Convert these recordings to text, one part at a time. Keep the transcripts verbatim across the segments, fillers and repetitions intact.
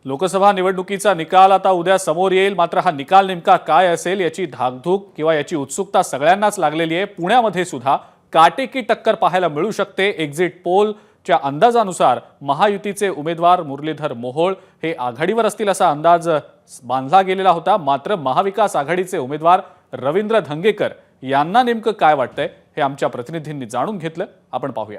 लोकसभा निवडणुकीचा निकाल आता उद्या समोर येईल, मात्र हा निकाल नेमका काय असेल याची धाकधूक किंवा याची उत्सुकता सगळ्यांनाच लागलेली आहे। पुण्यामध्ये सुद्धा काटेकी टक्कर पाहायला मिळू शकते। एक्झिट पोलच्या अंदाजानुसार महायुतीचे उमेदवार मुरलीधर मोहोळ हे आघाडीवर असतील असा अंदाज बांधला गेलेला होता। मात्र महाविकास आघाडीचे उमेदवार रवींद्र धंगेकर यांना नेमकं काय वाटतंय हे आमच्या प्रतिनिधींनी जाणून घेतलं, आपण पाहूया।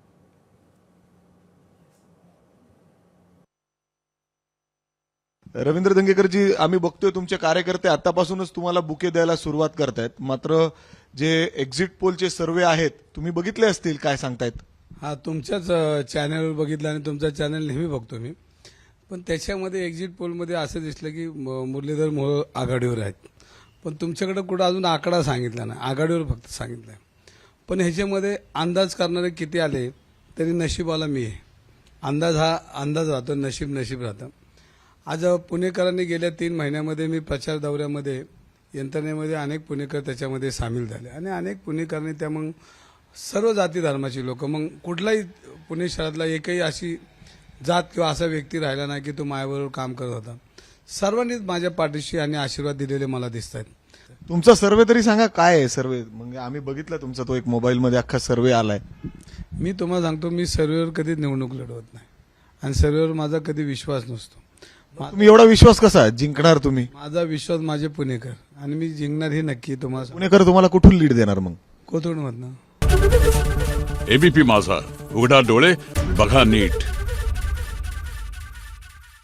रवींद्र धंगेकरजी, आम्ही बघतोय तुमचे कार्यकर्ते आतापासूनच तुम्हाला बुके द्यायला सुरुवात करतायत, मात्र जे एक्झिट पोलचे सर्वे आहेत तुम्ही बघितले असतील, काय सांगतायत? हा, तुमच्याच चॅनलवर बघितलं आणि तुमचा चॅनल नेहमी बघतो मी, पण त्याच्यामध्ये एक्झिट पोलमध्ये असं दिसलं की मुरलीधर मोहोळ आघाडीवर आहेत, पण तुमच्याकडे कुठं अजून आकडा सांगितला नाही, आघाडीवर फक्त सांगितलं आहे। पण ह्याच्यामध्ये अंदाज करणारे किती आले तरी नशीबवाला मी आहे। अंदाज हा अंदाज राहतो, नशीब नशीब राहतं। आज पुणेकरांनी गेल्या तीन महिन्यामध्ये मी प्रचार दौऱ्यामध्ये यंत्रणेमध्ये अनेक पुणेकर त्याच्यामध्ये सामील झाले आणि अनेक पुणेकरांनी त्या मग सर्व जाती धर्माची लोक, मग कुठलाही पुणे शहरातला एकही अशी जात किंवा असा व्यक्ती राहिला नाही की तो माझ्याबरोबर काम करत होता। सर्वांनीच माझ्या पाठीशी आणि आशीर्वाद दिलेले मला दिसत आहेत। तुमचा सर्वे तरी सांगा, काय आहे सर्वे? म्हणजे आम्ही बघितला तुमचा तो एक मोबाईलमध्ये अख्खा सर्वे आलाय। मी तुम्हाला सांगतो, मी सर्वेवर कधी निवडणूक लढवत नाही आणि सर्वेवर माझा कधी विश्वास नसतो। तुम्ही एवढा विश्वास कसा जिंकणार? तुम्ही? माझा विश्वास माझे पुणेकर आणि मी जिंकणार हे नक्की। तुम्हाला पुणेकर तुम्हाला कुठून लीड देणार मग? कोथरूडमधनं। एबीपी माझा, उघडा डोळे बघा नीट।